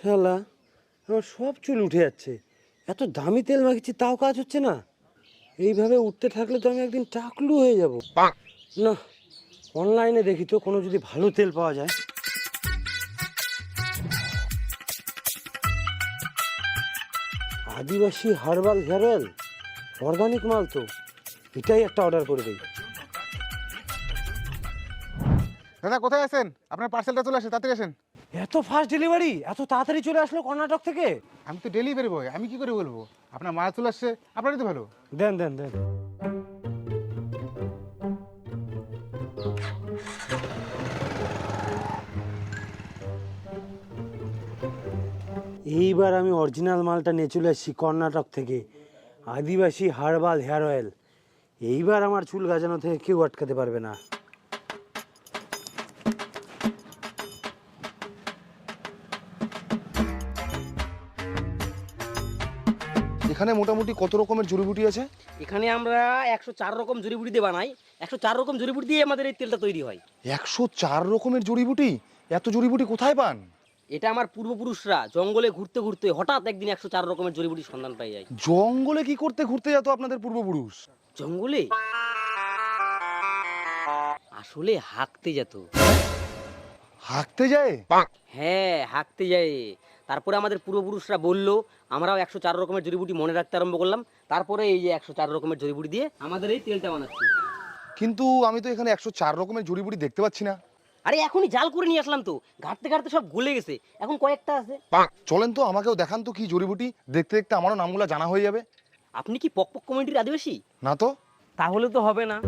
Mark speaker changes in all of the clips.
Speaker 1: শালা, আমার সব চুল উঠে যাচ্ছে। এত দামি তেল মাখিছি তাও কাজ হচ্ছে না। এইভাবে উঠতে থাকলে তো আমি একদিন টাকলু হয়ে যাব। না, অনলাইনে দেখি তো কোনো যদি ভালো তেল পাওয়া যায়। আদিবাসী হার্বাল হেয়ার অয়েল, অর্গানিক মাল তো, এটাই একটা অর্ডার করে দিই।
Speaker 2: দাদা কোথায় আছেন? আপনার পার্সেলটা চলে আসে, তাড়াতাড়ি আসেন।
Speaker 1: এত ফাস্ট ডেলিভারি, এত তাড়াতাড়ি চলে আসলো কর্ণাটক থেকে?
Speaker 2: আমি তো ডেলিভারি বয়, আমি কি করে বলবো? আপনার মাল চলে আসছে, আপনারই তো ভালো।
Speaker 1: দেন দেন দেন। এইবার আমি অরিজিনাল মালটা নিয়ে চলে আসছি কর্ণাটক থেকে, আদিবাসী হার্বাল হেয়ার অয়েল। এইবার আমার চুল গাজানো থেকে কেউ আটকাতে পারবে না।
Speaker 3: এখানে মোটামুটি কত রকমের জড়িবুটি আছে?
Speaker 4: এখানে আমরা 104 রকম জড়িবুটি দিয়ে বানাই। 104 রকম জড়িবুটি দিয়ে আমাদের এই তেলটা তৈরি হয়।
Speaker 3: 104 রকমের জড়িবুটি? এত জড়িবুটি কোথায় পান?
Speaker 4: এটা আমার পূর্বপুরুষরা জঙ্গলে ঘুরতে ঘুরতে হঠাৎ একদিন 104 রকমের জড়িবুটির সন্ধান পাই যায়।
Speaker 3: জঙ্গলে কি করতে ঘুরতে যেত আপনাদের পূর্বপুরুষ?
Speaker 4: জঙ্গলে আসলে হাঁকতে যেত।
Speaker 3: হাঁকতে যায়?
Speaker 4: হ্যাঁ, হাঁকতে যায়। তারপরে আমাদের পূর্বপুরুষরা বললো, আমরাও 104 রকমের জড়িবুটি মনে রাখতে আরম্ভ করলাম। তারপরে এই যে 104 রকমের জড়িবুটি দিয়ে আমাদের এই তেলটা বানাচ্ছি।
Speaker 3: কিন্তু আমি তো এখানে 104 রকমের জড়িবুটি দেখতে পাচ্ছি না।
Speaker 4: আরে এখনই জাল করে নিয়ে আসলাম তো, ঘাটতে ঘাটতে সব গলে গেছে, এখন কয়েকটা আছে।
Speaker 3: চলেন তো, আমাকেও দেখান তো কি জড়িবুটি। দেখতে দেখতে আমারও নামগুলো জানা হয়ে যাবে।
Speaker 4: আপনি কি পকপক কমিটির আদিবাসী?
Speaker 3: না তো।
Speaker 4: তাহলে তো হবে না।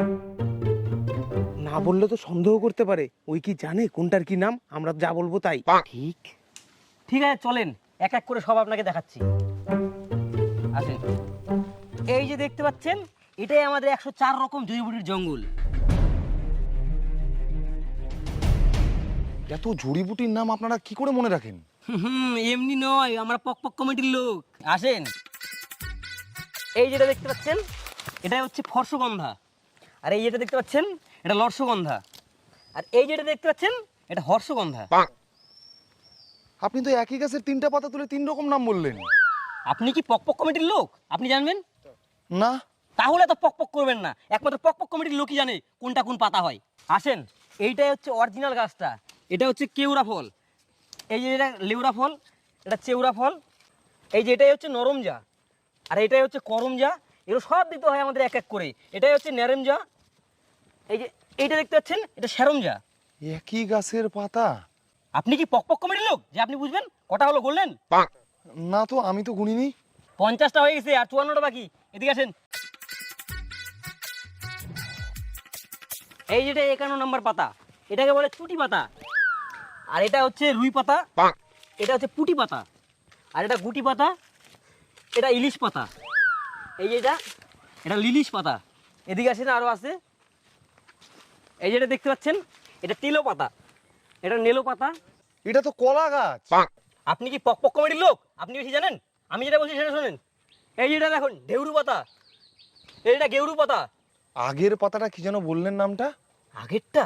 Speaker 5: না বললে তো সন্দেহ করতে পারে, ওই কি জানে কোনটার কি নাম, আমরা যা বলবো তাই।
Speaker 4: ঠিক ঠিক আছে, চলেন এক এক করে সব আপনাকে দেখাচ্ছি। আসেন, এই যে দেখতে পাচ্ছেন, এটাই আমাদের 104 রকম জড়িবুটির জঙ্গল।
Speaker 3: এত জড়িবুটির নাম আপনারা কি করে মনে রাখেন?
Speaker 4: এমনি নয়, আমরা পকপক কমিটির লোক। আসেন, এই যেটা দেখতে পাচ্ছেন, এটা হচ্ছে ফর্শগন্ধা। আর এই যেটা দেখতে পাচ্ছেন, এটা লর্ষগন্ধা। আর এই যেটা দেখতে পাচ্ছেন, এটা হর্ষগন্ধা।
Speaker 3: আপনি তো একই গাছের 3টা পাতা তুলে 3 রকম নাম বললেন।
Speaker 4: আপনি কি পকপক কমিটির লোক? আপনি জানবেন
Speaker 3: না।
Speaker 4: তাহলে তো পকপক করবেন না, একমাত্র পকপক কমিটির লোকই জানে কোনটা কোন পাতা হয়। আসেন, এইটাই হচ্ছে অরিজিনাল গাছটা। এটা হচ্ছে কেউড়া ফল। এই যে এটা লেউড়া ফল, এটা চেউড়া ফল। এই যে এটাই হচ্ছে নরমজা, আর এটাই হচ্ছে করমজা। এগুলো সব দিতে হয় আমাদের এক এক করে। এটাই হচ্ছে নেরেমজা। এই যে এইটা দেখতে পাচ্ছেন, এটা সেরমজা।
Speaker 3: একই গাছের পাতা?
Speaker 4: আপনি কি পকপক কমিটির লোক যে আপনি বুঝবেন? কটা হলো বললেন?
Speaker 3: না তো, আমি তো গুনিনি।
Speaker 4: 50টা হয়ে গেছে, আর 54টা বাকি। এদিকে আসেন। এই যেটা 51 নম্বর পাতা, এটাকে বলে চুটি পাতা। আর এটা হচ্ছে রুই পাতা, এটা হচ্ছে পুটি পাতা। আর এটা গুটি পাতা, এটা ইলিশ পাতা। এই যেটা, এটা লিলিশ পাতা। এদিকে আসেন, আরও আছে। এই যেটা দেখতে পাচ্ছেন, এটা তেলো পাতা, এটা নেলো পাতা।
Speaker 3: এটা তো কলা গাছ।
Speaker 4: আপনি কি পকপক কমিটির লোক? আপনি বেশি জানেন। আমি যেটা বলছি সেটা শোনেন। এই যেটা দেখুন, ঢেউরু পাতা, এইটা গেউরু পাতা।
Speaker 3: আগের পাতাটা কি যেন বললেন নামটা?
Speaker 4: আগেরটা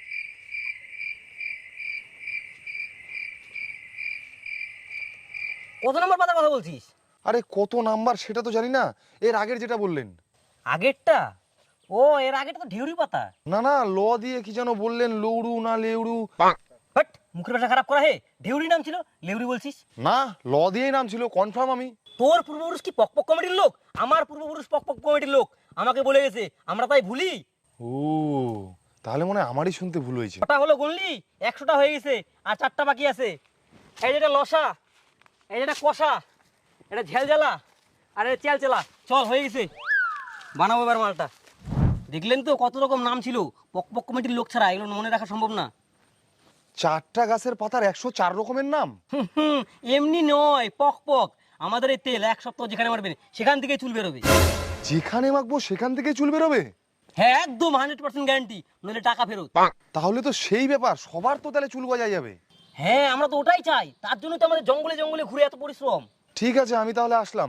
Speaker 4: কত নম্বর পাতার কথা বলছিস?
Speaker 3: আরে কত নাম্বার সেটা তো জানি না, এর আগের যেটা বললেন।
Speaker 4: আগেরটা? ও, এর আগেরটা তো ঢেউরি পাতা।
Speaker 3: না না, ল দিয়ে কি যেন বললেন, লৌড়ু না লেউড়ু।
Speaker 4: বাট মুখের ভাষা খারাপ করা হে। ঢেউরি নাম ছিল, লেউরি বলছিস?
Speaker 3: না, ল দিয়েই নাম ছিল, কনফার্ম আমি।
Speaker 4: তোর পূর্বপুরুষ কি পকপক কমিটির লোক? আমার পূর্বপুরুষ পকপক কমিটির লোক, আমাকে বলে গেছে, আমরা তাই ভুলি।
Speaker 3: ও, তাহলে মনে হয় আমারই শুনতে ভুল হয়েছে।
Speaker 4: কটা হলো গুনলি? 100টা হয়ে গেছে, আর 4টা বাকি আছে। এই যেটা লসা, এই যেটা কষা, এটা ঝেলঝালা, আর এটা চেলচেলা। চল, হয়ে গেছে, বানাবো এবার মালটা। দেখলেন তো কত রকম নাম ছিল। পকপক কমিটির লোক ছাড়া এগুলো মনে রাখা সম্ভব না।
Speaker 3: 4টা গাছের পাতার 104 রকমের নাম?
Speaker 4: এমনি নয়, পকপক। আমাদের এই তেল 1 সপ্তাহ যেখানে মারবেন সেখান থেকে চুল বেরোবে।
Speaker 3: যেখানে মাখবো সেখান থেকে চুল বেরোবে?
Speaker 4: হ্যাঁ, একদম 100% গ্যারান্টি, নইলে টাকা ফেরত।
Speaker 3: তাহলে তো সেই ব্যাপার, সবার তো তাহলে চুল গজায় যাবে।
Speaker 4: হ্যাঁ, আমরা তো ওটাই চাই, তার জন্য তো আমাদের জঙ্গলে জঙ্গলে ঘুরে এত পরিশ্রম।
Speaker 3: ঠিক আছে, আমি তাহলে আসলাম।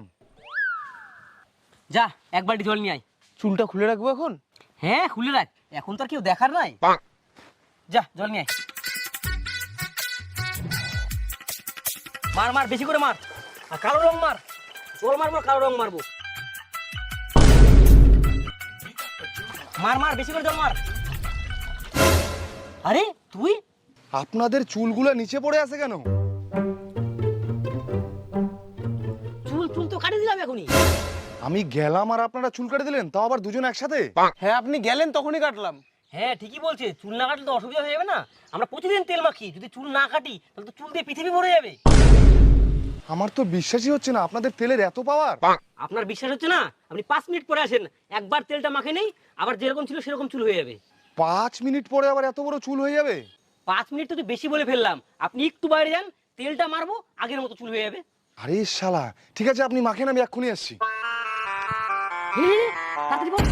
Speaker 4: যা, এক বালতি জল নিয়ে আয়।
Speaker 5: চুলটা খুলে রাখবো এখন?
Speaker 4: হ্যাঁ, খুলে রাখ, এখন তো আর কেউ দেখার নাই। যা, জল নিয়ে আয়। মার মার বেশি করে মার, আর কালো রং মার, জল মারবো কালো রং মারবো, মার মার বেশি করে জল মার। আরে তুই
Speaker 3: আপনাদের চুলগুলো নিচে পড়ে আছে কেন?
Speaker 4: চুল চুল তো কাটিয়ে দিলাম এখনই।
Speaker 3: আমি গেলাম আর আপনারা চুল কেটে দিলেন, তাও আবার দুজন একসাথে?
Speaker 5: হ্যাঁ আপনি গেলেন তখনই কাটলাম।
Speaker 4: হ্যাঁ ঠিকই বলছে, চুল না কাটলে তো অসুবিধা হয়ে যাবে না। আমরা প্রতিদিন তেল মাখি, যদি চুল না কাটি তাহলে তো চুল দিয়ে পৃথিবী ভরে যাবে।
Speaker 3: আমার তো বিশ্বাসই হচ্ছে না আপনাদের তেলের এত পাওয়ার।
Speaker 4: আপনার বিশ্বাস হচ্ছে না? আপনি 5 মিনিট পরে আসেন, একবার তেলটা মাখে নেই, আবার যেরকম ছিল সেরকম চুল হয়ে যাবে।
Speaker 3: 5 মিনিট পরে আবার এত বড় চুল হয়ে যাবে?
Speaker 4: 5 মিনিট তো বেশি বলে ফেললাম, আপনি একটু বাইরে যান, তেলটা মারবো, আগের মতো চুল হয়ে যাবে।
Speaker 3: আরে শালা, ঠিক আছে আপনি মাখেন, আমি এক্ষুনি আসছি।
Speaker 4: নে, নে, নে, তাড়াতাড়ি বল।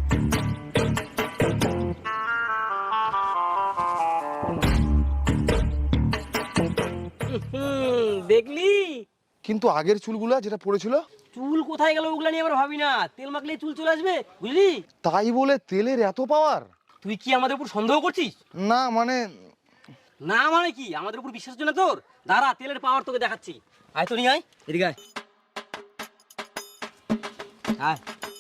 Speaker 4: দেখলি
Speaker 3: কিন্তু আগের চুলগুলা যেটা পড়েছিল?
Speaker 4: চুল কোথায় গেল ওগুলা নিয়ে আবার ভাবি না, তেল মাখলে চুল চলে আসবে, বুঝলি?
Speaker 3: তাই বলে তেলের এত পাওয়ার?
Speaker 4: তুই কি আমাদের উপর সন্দেহ করছিস?
Speaker 3: না মানে,
Speaker 4: না মানে কি, আমাদের উপর বিশ্বাস হচ্ছে না তোর? দাঁড়া, তেলের পাওয়ার তোকে দেখাচ্ছি। আয় তো নিয়ে আয়, এদিকে আয়। আয়।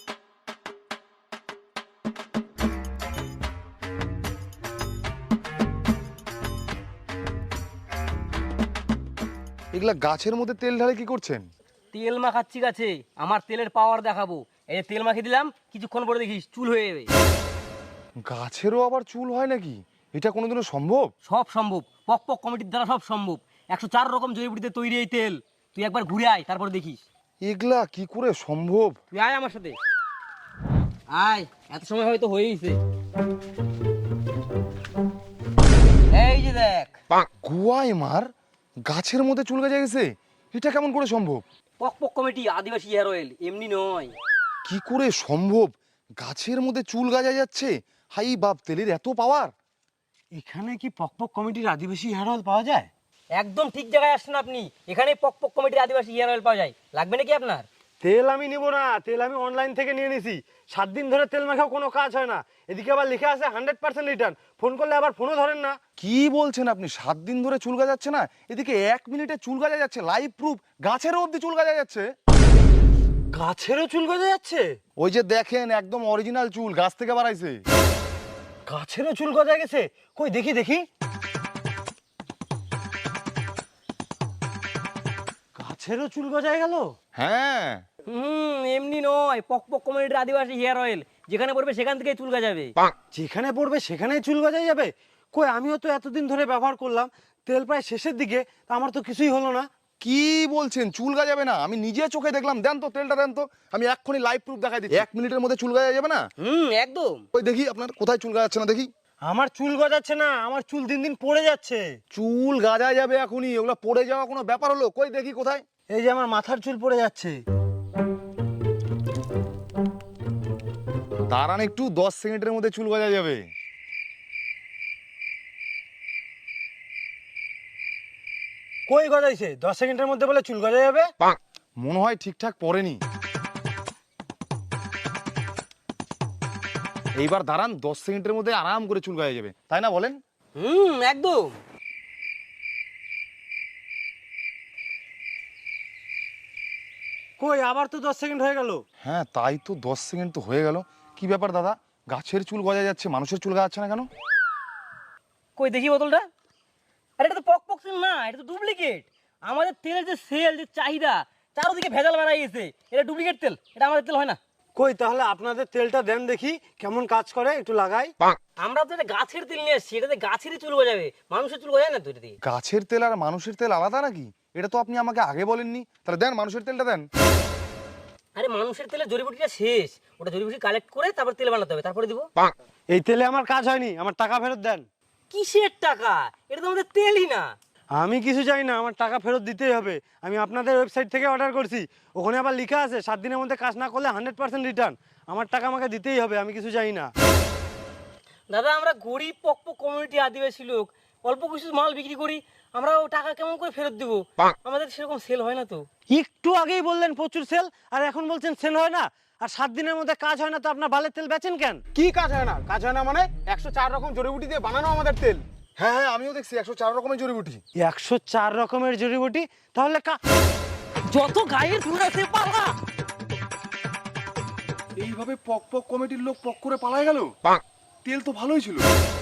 Speaker 3: এগুলা গাছের মধ্যে তেল ঢালে কি করছেন?
Speaker 4: তেল মাখাচ্ছি গাছে, আমার তেলের পাওয়ার দেখাবো। এই যে তেল মাখিয়ে দিলাম, কিছুক্ষণ পরে দেখিস চুল হয়ে যাবে।
Speaker 3: গাছেরও আবার চুল হয় নাকি? এটা কোনোদিনও সম্ভব?
Speaker 4: সব সম্ভব, পক পক কমিটির দ্বারা সব সম্ভব। 104 রকম জড়িবুটিতে তৈরি এই তেল। তুই একবার ঘুরে আয়, তারপরে দেখিস।
Speaker 3: এগুলা কি করে সম্ভব?
Speaker 4: তুই আয় আমার সাথে, আয়। এত সময় হয়তো হয়েইছে। এই যে দেখ,
Speaker 3: গুয়ায় মার, গাছের মধ্যে চুল গজে গেছে, এটা কেমন করে সম্ভব?
Speaker 4: পক পক কমিটি আদিবাসী হেয়ার অয়েল, এমনি নয়।
Speaker 3: কি করে সম্ভব? গাছের মধ্যে চুল গাজা যাচ্ছে, হাই বাপ, তেলের এত পাওয়ার!
Speaker 1: এখানে কি পকপক কমিটির আদিবাসী হেয়ার অয়েল পাওয়া যায়?
Speaker 4: একদম ঠিক জায়গায় আসছেন আপনি, এখানে পক পক কমিটির আদিবাসী হেয়ার অয়েল পাওয়া যায়। লাগবে নাকি আপনার?
Speaker 1: তেল আমি নিব না, তেল আমি অনলাইন থেকে নিয়ে নিছি। 7 দিন ধরে তেল মাখাও কোনো কাজ হয় না। এদিকে আবার লেখা আছে 100% রিটার্ন, ফোন করলে আবার ফোনও ধরেন না।
Speaker 3: কি বলছেন আপনি? 7 দিন ধরে চুল গাজাচ্ছে না, এদিকে 1 মিনিটে চুল গাজা যাচ্ছে, লাইভ প্রুফ, গাছেরও অব্দি চুল গাজা যাচ্ছে।
Speaker 1: গাছেরও চুল গজে যাচ্ছে?
Speaker 3: ওই যে দেখেন, একদম অরিজিনাল চুল, গাছ থেকে বাড়াইছে।
Speaker 1: গাছেরও চুল গজা গেছে? কই দেখি দেখি। গাছেরও চুল গজায় গেল?
Speaker 3: হ্যাঁ,
Speaker 4: এমনি নয়, পক পক কমিটির আদিবাসী হেয়ার অয়েল, যেখানে পড়বে সেখান থেকে চুল গজাবে।
Speaker 1: যেখানে পড়বে সেখানেই চুল গজায় যাবে? কই আমিও তো এতদিন ধরে ব্যবহার করলাম, তেল প্রায় শেষের দিকে, তা আমার তো কিছুই হলো না।
Speaker 3: কি বলছেন? চুল গাজাবে না? আমি নিজে চোখে দেখলাম। দেন তো তেলটা, দেন তো, আমি এক্ষুনি লাইভ প্রুফ দেখাই দিচ্ছি। 1 মিনিটের মধ্যে চুল গাজা যাবে না?
Speaker 4: একদম।
Speaker 3: ওই দেখি আপনার কোথায় চুল গাজাচ্ছে না দেখি।
Speaker 1: আমার চুল গজাচ্ছে না, আমার চুল দিন দিন পড়ে যাচ্ছে।
Speaker 3: চুল গাজা যাবে এখনই, ওগুলো পড়ে যাওয়া কোনো ব্যাপার হলো? কই দেখি কোথায়।
Speaker 1: এই যে আমার মাথার চুল পড়ে যাচ্ছে।
Speaker 3: দাঁড়ান একটু, 10 সেকেন্ডের মধ্যে চুল গজা যাবে।
Speaker 1: কই গজাইছে? 10 সেকেন্ডের মধ্যে বলে চুল গজা যাবে?
Speaker 3: মনে হয় ঠিকঠাক পড়েনি। এইবার দাঁড়ান, 10 সেকেন্ডের মধ্যে আরাম করে চুল গজা যাবে, তাই না বলেন?
Speaker 4: একদম।
Speaker 1: কই আবার তো 10 সেকেন্ড হয়ে গেল।
Speaker 3: হ্যাঁ তাই তো, 10 সেকেন্ড তো হয়ে গেল। কি ব্যাপার দাদা, গাছের চুল গজা যাচ্ছে, মানুষের চুল গাজাচ্ছে না কেন?
Speaker 4: কই দেখি বোতলটা। আরে এটা তো পক পক তেল না, এটা তো ডুপ্লিকেট। আমাদের তেলের যে সেল, যে চাহিদা, চারদিকে ভেজাল বাড়াই গেছে। এটা ডুপ্লিকেট তেল, এটা আমাদের তেল হয় না।
Speaker 1: কই তাহলে আপনাদের তেলটা দেন দেখি, কেমন কাজ করে একটু লাগাই।
Speaker 4: আমরা তো এটা গাছের তেল নিয়ে আসছি, এটাতে গাছেরই চুল গজাবে, মানুষের চুল গজায় না তো এটা দিয়ে।
Speaker 3: গাছের তেল আর মানুষের তেল আলাদা নাকি? এটা তো আপনি আমাকে আগে বলেননি। তাহলে দেন, মানুষের তেলটা দেন।
Speaker 4: আরে মানুষের তেলের জড়িবুটিটা শেষ, ওটা জড়িবুটি কালেক্ট করে তারপর তেল বানাতে হবে, তারপরে দিব।
Speaker 1: এই তেলে আমার কাজ হয়নি, আমার টাকা ফেরত দেন।
Speaker 4: কিসের টাকা? এটা তো আমাদের তেলই না।
Speaker 1: আমি কিছু চাই না, আমার টাকা ফেরত দিতেই হবে। আমি আপনাদের ওয়েবসাইট থেকে অর্ডার করছি, ওখানে আবার লেখা আছে 7 দিনের মধ্যে কাজ না করলে 100% রিটার্ন। আমার টাকা আমাকে দিতেই হবে, আমি কিছু চাই না।
Speaker 4: দাদা আমরা গরিব পক পক কমিউনিটি আদিবাসী লোক, অল্প কিছু মাল বিক্রি করি, আমরা ও টাকা কেমন করে ফেরত দেবো? আমাদের সেরকম সেল হয় না তো।
Speaker 1: একটু আগেই বললেন প্রচুর সেল, আর এখন বলছেন সেল হয় না। আর 7 দিনের মধ্যে কাজ হয় না, তো আপনার বালের তেল বেচেন কেন?
Speaker 5: কি কাজ হয় না? কাজ হয় না মানে 104 রকম জড়িবুটি দিয়ে বানানো আমাদের তেল।
Speaker 3: হ্যাঁ হ্যাঁ, আমিও দেখছি 104 রকমের জড়িবুটি।
Speaker 1: 104 রকমের জড়িবুটি, তাহলে
Speaker 4: যত গায়ের ফুল আছে পালা।
Speaker 3: এইভাবে পক পক কমিটির লোক পক করে পালায় গেল। তেল তো ভালোই ছিল।